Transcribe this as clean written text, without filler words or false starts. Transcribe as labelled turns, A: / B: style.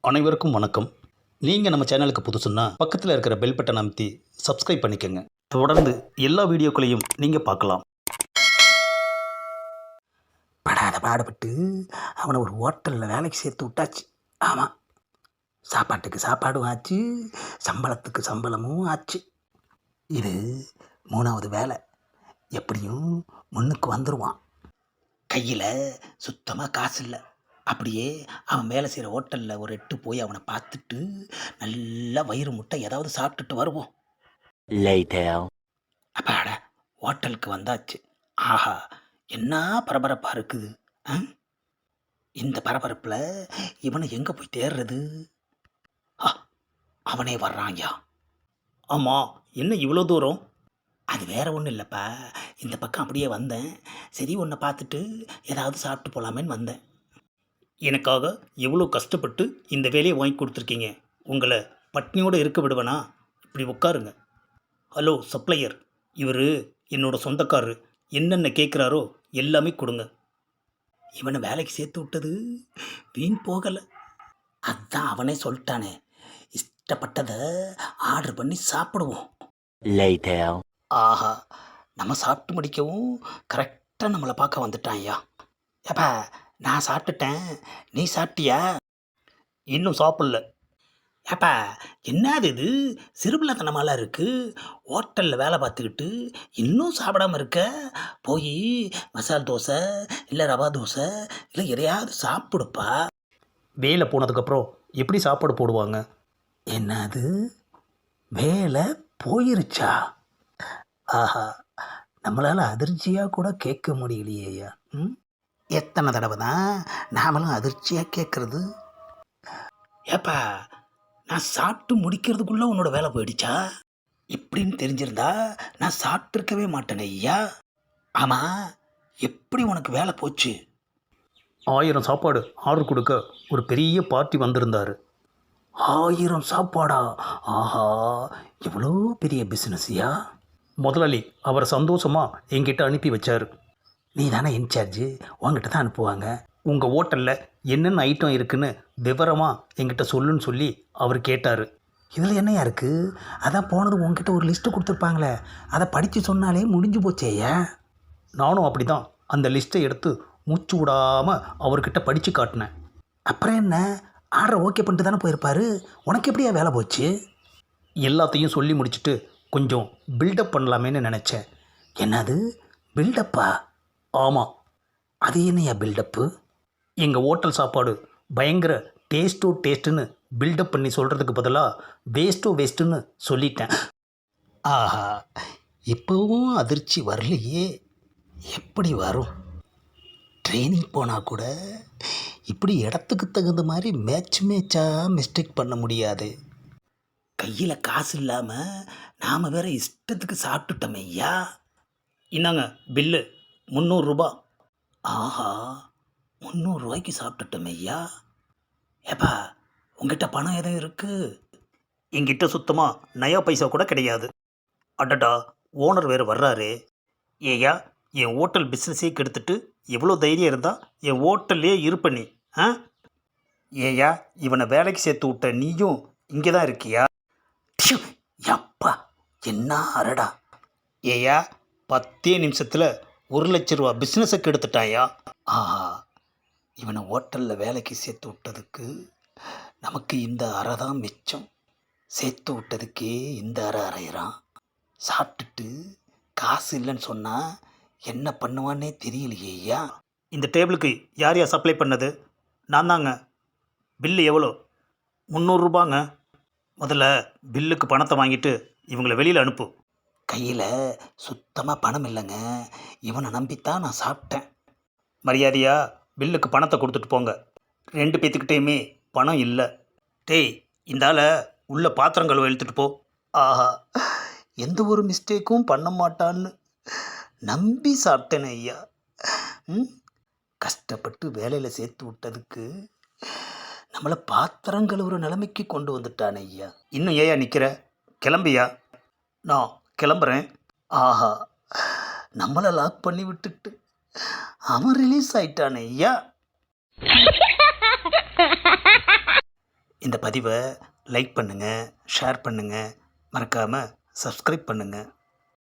A: அனைவருக்கும் வணக்கம். நீங்கள் நம்ம சேனலுக்கு புதுசுன்னா பக்கத்தில் இருக்கிற பெல் பட்டனை அமைத்தி சப்ஸ்கிரைப் பண்ணிக்கோங்க. தொடர்ந்து எல்லா வீடியோக்களையும் நீங்கள் பார்க்கலாம்.
B: படாத பாடுபட்டு அவனை ஒரு ஹோட்டலில் வேலைக்கு சேர்த்து விட்டாச்சு. ஆமாம், சாப்பாட்டுக்கு சாப்பாடும் ஆச்சு, சம்பளத்துக்கு சம்பளமும் ஆச்சு. இது 3வது வேலை. எப்படியும் முன்னுக்கு வந்துடுவான். கையில் சுத்தமாக காசு இல்லை. அப்படியே அவன் வேலை செய்கிற ஹோட்டலில் ஒரு எட்டு போய் அவனை பார்த்துட்டு நல்லா வயிறு முட்டை ஏதாவது சாப்பிட்டுட்டு வருவோம். அப்பாடா, ஹோட்டலுக்கு வந்தாச்சு. ஆஹா, என்ன பரபரப்பாக இருக்குது. ஆ, இந்த பரபரப்பில் இவனை எங்கே போய் தேடுறது? ஆ, அவனே வர்றான்யா.
A: ஆமாம், என்ன இவ்வளோ தூரம்?
B: அது வேற ஒன்றும் இல்லைப்பா. இந்த பக்கம் அப்படியே வந்தேன். சரி, உன்னை பார்த்துட்டு ஏதாவது சாப்பிட்டு போகலாமேன்னு வந்தேன்.
A: எனக்காக எவ்வளோ கஷ்டப்பட்டு இந்த வேலையை வாங்கி கொடுத்துருக்கீங்க. உங்களை பட்னியோடு இருக்க விடுவேனா? இப்படி உட்காருங்க. ஹலோ சப்ளையர், இவர் என்னோட சொந்தக்காரரு. என்னென்ன கேட்குறாரோ எல்லாமே கொடுங்க.
B: இவனை வேலைக்கு சேர்த்து விட்டது வீண் போகலை. அதான் அவனே சொல்லிட்டானே, இஷ்டப்பட்டதை ஆர்டர் பண்ணி சாப்பிடுவோம். ஆஹா, நம்ம சாப்பிட்டு முடிக்கவும் கரெக்டாக நம்மளை பார்க்க வந்துட்டான். ஐயா, ஏப்பா, நான் சாப்பிட்டுட்டேன், நீ சாப்பிட்டியா?
A: இன்னும் சாப்பிடல.
B: ஏப்பா, என்னது இது சிறுபிள்ளைத்தனமாலாம் இருக்குது. ஹோட்டலில் வேலை பார்த்துக்கிட்டு இன்னும் சாப்பிடாம இருக்க. போய் மசால் தோசை இல்லை ரவா தோசை இல்லை எதையாவது சாப்பிடுப்பா.
A: வேலை போனதுக்கப்புறம் எப்படி சாப்பாடு போடுவாங்க?
B: என்னது, வேலை போயிருச்சா? ஆஹா, நம்மளால் அதிர்ச்சியாக கூட கேட்க முடியலையேயா. எத்தனை தடவை தான் நாமளும் அதிர்ச்சியாக கேட்குறது? ஏப்பா, நான் சாப்பிட்டு முடிக்கிறதுக்குள்ளே உன்னோட வேலை போயிடுச்சா? இப்படின்னு தெரிஞ்சிருந்தா நான் சாப்பிட்ருக்கவே மாட்டேனே ஐயா. ஆமாம், எப்படி உனக்கு வேலை போச்சு?
A: 1000 சாப்பாடு ஆர்டர் கொடுக்க ஒரு பெரிய பார்ட்டி வந்திருந்தார்.
B: 1000 சாப்பாடா? ஆஹா, எவ்வளோ பெரிய பிஸ்னஸ்யா.
A: முதலாளி அவரை சந்தோஷமாக என்கிட்ட அனுப்பி வச்சார்.
B: நீ தானே இன்சார்ஜு, உங்ககிட்ட தான் அனுப்புவாங்க.
A: உங்கள் ஹோட்டலில் என்னென்ன ஐட்டம் இருக்குன்னு விவரமாக என்கிட்ட சொல்லுன்னு சொல்லி அவர் கேட்டார்.
B: இதில் என்னையா இருக்குது? அதான் போனது உங்ககிட்ட ஒரு லிஸ்ட்டு கொடுத்துருப்பாங்களே, அதை படித்து சொன்னாலே முடிஞ்சு போச்சேயா.
A: நானும் அப்படி தான் அந்த லிஸ்ட்டை எடுத்து மூச்சு விடாமல் அவர்கிட்ட படித்து காட்டினேன்.
B: அப்புறம் என்ன, ஆர்டர் ஓகே பண்ணிட்டு தானே போயிருப்பாரு. உனக்கு எப்படியா வேலை போச்சு?
A: எல்லாத்தையும் சொல்லி முடிச்சுட்டு கொஞ்சம் பில்டப் பண்ணலாமேன்னு நினச்சேன்.
B: என்னது பில்டப்பா?
A: ஆமாம்.
B: அது என்னையா பில்டப்பு?
A: எங்கள் ஹோட்டல் சாப்பாடு பயங்கர டேஸ்ட்டுன்னு பில்டப் பண்ணி சொல்கிறதுக்கு பதிலாக வேஸ்ட்டுன்னு சொல்லிட்டேன்.
B: ஆஹா, இப்போவும் அதிர்ச்சி வரலையே. எப்படி வரும்? ட்ரைனிங் போனால் கூட இப்படி இடத்துக்கு தகுந்த மாதிரி மேட்சாக மிஸ்டேக் பண்ண முடியாது. கையில் காசு இல்லாமல் நாம் வேற இஷ்டத்துக்கு சாப்பிட்டுட்டோமே ஐயா.
A: இந்தாங்க பில்லு, 300 ரூபா.
B: ஆஹா, 300 ரூபாய்க்கு சாப்பிட்டுட்டோமே ஐயா. ஏப்பா, உங்ககிட்ட பணம் எதுவும் இருக்குது?
A: என்கிட்ட சுத்தமாக நயா பைசா கூட கிடையாது. அடடா, ஓனர் வேறு வர்றாரு. ஏயா, என் ஹோட்டல் பிஸ்னஸே கெடுத்துட்டு எவ்வளோ தைரியம் இருந்தால் என் ஹோட்டல்லே இருப்ப நீ? ஆ, ஏயா, இவனை வேலைக்கு சேர்த்து விட்ட நீயும் இங்கே தான் இருக்கியா?
B: டியூ, யப்பா, என்ன அரடா.
A: ஏயா, 10 நிமிஷத்தில் 1,00,000 ரூபா பிஸ்னஸை கெடுத்துட்டாயா?
B: ஆஹா, இவனை ஹோட்டலில் வேலைக்கு சேர்த்து விட்டதுக்கு நமக்கு இந்த அறை தான் மிச்சம். சேர்த்து விட்டதுக்கே இந்த அறை அறையிறான். சாப்பிட்டுட்டு காசு இல்லைன்னு சொன்னால் என்ன பண்ணுவான்னே தெரியலையே ஐயா.
A: இந்த டேபிளுக்கு யார் யார் சப்ளை பண்ணது? நான் தாங்க. பில்லு எவ்வளோ? 300 ரூபாங்க. முதல்ல பில்லுக்கு பணத்தை வாங்கிட்டு இவங்களை வெளியில் அனுப்பு.
B: கையில் சுத்தமாக பணம் இல்லைங்க. இவனை நம்பித்தான் நான் சாப்பிட்டேன்.
A: மரியாதையாக பில்லுக்கு பணத்தை கொடுத்துட்டு போங்க. 2 பேத்துக்கிட்டேயுமே பணம் இல்லை. டேய், இந்தால உள்ள பாத்திரம் கழுவ இழுத்துட்டு போ.
B: ஆஹா, எந்த ஒரு மிஸ்டேக்கும் பண்ண மாட்டான்னு நம்பி சாப்பிட்டேனே ஐயா. கஷ்டப்பட்டு வேலையில் சேர்த்து விட்டதுக்கு நம்மளை பாத்திரம் கழுவுற நிலைமைக்கு கொண்டு வந்துட்டானே ஐயா.
A: இன்னும் ஏயா நிற்கிற? கிளம்பியா? நான் கிளம்புறேன்.
B: ஆஹா, நம்மளை லாக் பண்ணி விட்டுட்டு அவன் ரிலீஸ் ஆயிட்டானே ஐயா.
A: இந்த பதிவை லைக் பண்ணுங்கள், ஷேர் பண்ணுங்கள், மறக்காமல் சப்ஸ்கிரைப் பண்ணுங்கள்.